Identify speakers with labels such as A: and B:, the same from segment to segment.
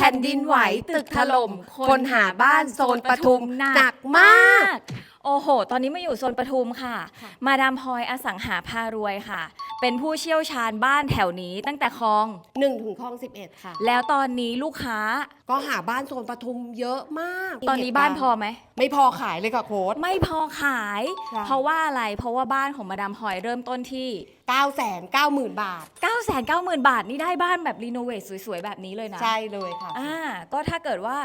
A: ผ่นดินไหวตึกถล่มคนหาบ้านโซนปทุมหนักมาก
B: โอ้โหตอนนี้มาอยู่โซนปทุมค่ะมาดามพลอยอสังหาพารวยค่ะเป็นผู้เชี่ยวชาญบ้านแถวนี้ตั้งแต่คลอง
A: 1 ถึงคลอง 11ค่ะ
B: แล้วตอนนี้ลูกค้า
A: ก็หาบ้านโซนปทุมเยอะมาก
B: ตอนนี้บ้านพอไหม
A: ไม่พอขายเลยค่ะโค้ช
B: ไม่พอขายเพราะว่าอะไรเพราะว่าบ้านของมาดามพลอยเริ่มต้นที่
A: 990,000 บาท
B: 990,000 บาทนี่ได้บ้านแบบรีโนเวทสวยๆแบบนี้เลยนะ
A: ใช่เลยค่ะ
B: ก็ถ้าเกิดว่า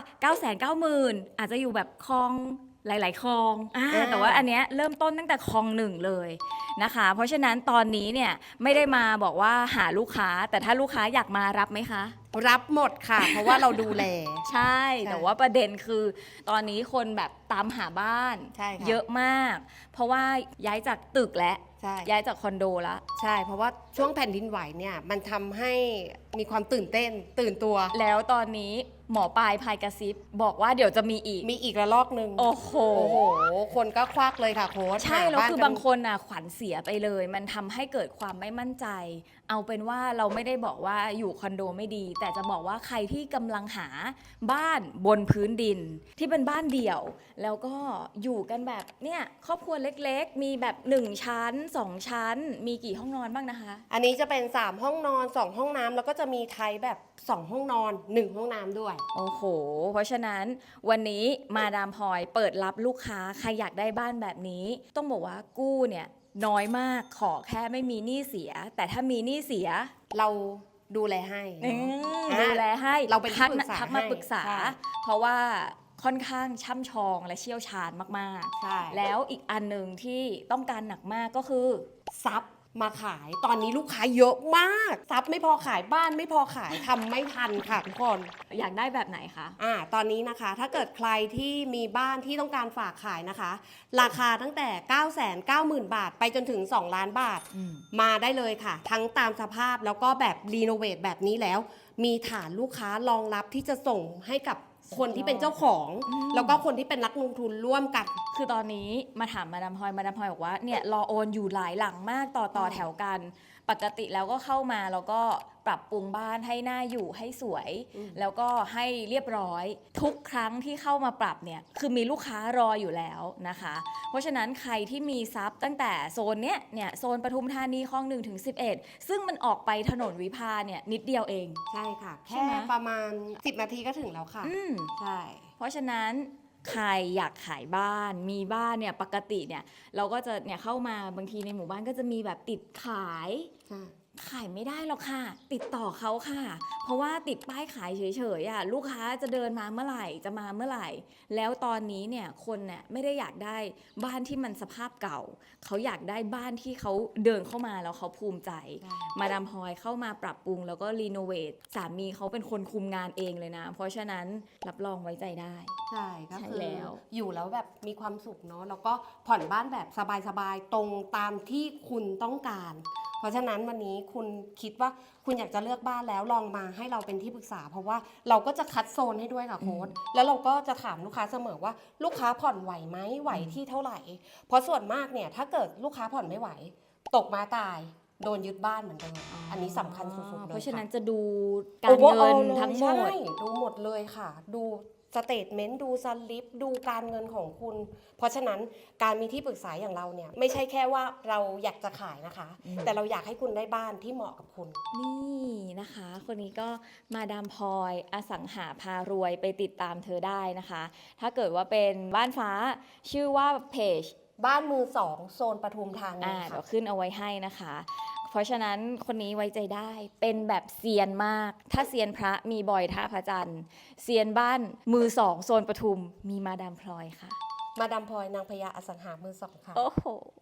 B: 990,000อาจจะอยู่แบบคลองหลายๆคลองแต่ว่าอันเนี้ยเริ่มต้นตั้งแต่คลอง1เลยนะคะเพราะฉะนั้นตอนนี้เนี่ยไม่ได้มาบอกว่าหาลูกค้าแต่ถ้าลูกค้าอยากมารับไหมคะ
A: รับหมดค่ะเพราะว่าเราดูแล
B: ใช่แต่ว่าประเด็นคือตอนนี้คนแบบตามหาบ้านเยอะมากเพราะว่าย้ายจากตึกและย้ายจากคอนโดแล้ว
A: ใช่เพราะว่าช่วงแผ่นดินไหวเนี่ยมันทำให้มีความตื่นเต้นตื่นตัว
B: แล้วตอนนี้หมอปลายพายกระซิบบอกว่าเดี๋ยวจะมี
A: อีกระลอกนึง
B: โอ้โห
A: คนก็ควักเลยค่ะโค้ช
B: ใช่แล้วคือบางคนขวัญเสียไปเลยมันทำให้เกิดความไม่มั่นใจเอาเป็นว่าเราไม่ได้บอกว่าอยู่คอนโดไม่ดีแต่จะบอกว่าใครที่กำลังหาบ้านบนพื้นดินที่เป็นบ้านเดี่ยวแล้วก็อยู่กันแบบเนี่ยครอบครัวเล็กๆมีแบบ1 ชั้น 2 ชั้นมีกี่ห้องนอนบ้างนะคะ
A: อันนี้จะเป็น3 ห้องนอน2 ห้องน้ำแล้วก็จะมีไทยแบบ2 ห้องนอน1 ห้องน้ำด้วย
B: โอ้โหเพราะฉะนั้นวันนี้มาดามพลอยเปิดรับลูกค้าใครอยากได้บ้านแบบนี้ต้องบอกว่ากู้เนี่ยน้อยมากขอแค่ไม่มีหนี้เสียแต่ถ้ามีหนี้เสีย
A: เราดูแลให้
B: ดูแลให้
A: เราเป็นที่ปรึกษา
B: ทักมาปรึกษาเพราะว่าค่อนข้างช่ำชองและเชี่ยวชาญมากๆแล้วอีกอันหนึ่งที่ต้องการหนักมากก็คือ
A: ซับมาขายตอนนี้ลูกค้าเยอะมากซับไม่พอขายบ้านไม่พอขายทำไม่ทันค่ะทุกคน
B: อยากได้แบบไหนคะ
A: ตอนนี้นะคะถ้าเกิดใครที่มีบ้านที่ต้องการฝากขายนะคะราคาตั้งแต่990,000 บาทไปจนถึง2 ล้านบาทมาได้เลยค่ะทั้งตามสภาพแล้วก็แบบรีโนเวทแบบนี้แล้วมีฐานลูกค้ารองรับที่จะส่งให้กับคนที่เป็นเจ้าของแล้วก็คนที่เป็นนักลงทุนร่วมกัน
B: คือตอนนี้มาถามมาดามพลอยบอกว่าเนี่ยรอโอนอยู่หลายหลังมากต่อแถวกันปกติแล้วก็เข้ามาแล้วก็ปรับปรุงบ้านให้น่าอยู่ให้สวยแล้วก็ให้เรียบร้อยทุกครั้งที่เข้ามาปรับเนี่ยคือมีลูกค้ารออยู่แล้วนะคะเพราะฉะนั้นใครที่มีทรัพย์ตั้งแต่โซนเนี่ยโซนปทุมธานีคลอง1 ถึง 11ซึ่งมันออกไปถนนวิภาเนี่ยนิดเดียวเอง
A: ใช่ค่ะแค่ประมาณ10 นาทีก็ถึงแล้วค่ะใช่
B: เพราะฉะนั้นใครอยากขายบ้านมีบ้านเนี่ยปกติเนี่ยเราก็จะเนี่ยเข้ามาบางทีในหมู่บ้านก็จะมีแบบติดขายไม่ได้หรอกค่ะติดต่อเขาค่ะเพราะว่าติดป้ายขายเฉยๆลูกค้าจะเดินมาเมื่อไหร่จะมาเมื่อไหร่แล้วตอนนี้เนี่ยคนเนี่ยไม่ได้อยากได้บ้านที่มันสภาพเก่าเขาอยากได้บ้านที่เขาเดินเข้ามาแล้วเขาภูมิใจมาดามพลอยเข้ามาปรับปรุงแล้วก็รีโนเวทสามีเขาเป็นคนคุมงานเองเลยนะเพราะฉะนั้นรับรองไว้ใจได้
A: ใช่ก็คืออยู่แล้วแบบมีความสุขเนาะแล้วก็ผ่อนบ้านแบบสบายๆตรงตามที่คุณต้องการเพราะฉะนั้นวันนี้คุณคิดว่าคุณอยากจะเลือกบ้านแล้วลองมาให้เราเป็นที่ปรึกษาเพราะว่าเราก็จะคัดโซนให้ด้วยค่ะโค้ชแล้วเราก็จะถามลูกค้าเสมอว่าลูกค้าผ่อนไหวไหมไหวที่เท่าไหร่เพราะส่วนมากเนี่ยถ้าเกิดลูกค้าผ่อนไม่ไหวตกมาตายโดนยึดบ้านเหมือนเดิมอันนี้สำคัญสุดๆเลย
B: เพราะฉะนั้นจะดูการเงินทั้งหมด
A: ดูหมดเลยค่ะดูสเตทเมนต์ดูสลิปดูการเงินของคุณเพราะฉะนั้นการมีที่ปรึกษาอย่างเราเนี่ยไม่ใช่แค่ว่าเราอยากจะขายนะคะแต่เราอยากให้คุณได้บ้านที่เหมาะกับคุณ
B: นี่นะคะคนนี้ก็มาดามพลอยอสังหาพารวยไปติดตามเธอได้นะคะถ้าเกิดว่าเป็นบ้านฟ้าชื่อว่าเพจ
A: บ้านมือ2โซนปทุมธานี
B: เดี๋ยวขึ้นเอาไว้ให้นะคะเพราะฉะนั้นคนนี้ไว้ใจได้เป็นแบบเซียนมากถ้าเซียนพระมีบอยท่าพระจันทร์เซียนบ้านมือ2โซนปทุมมีมาดามพลอยค่ะ
A: มาดามพลอยนางพญาอสังหามือ2ค่ะ
B: โอ้โห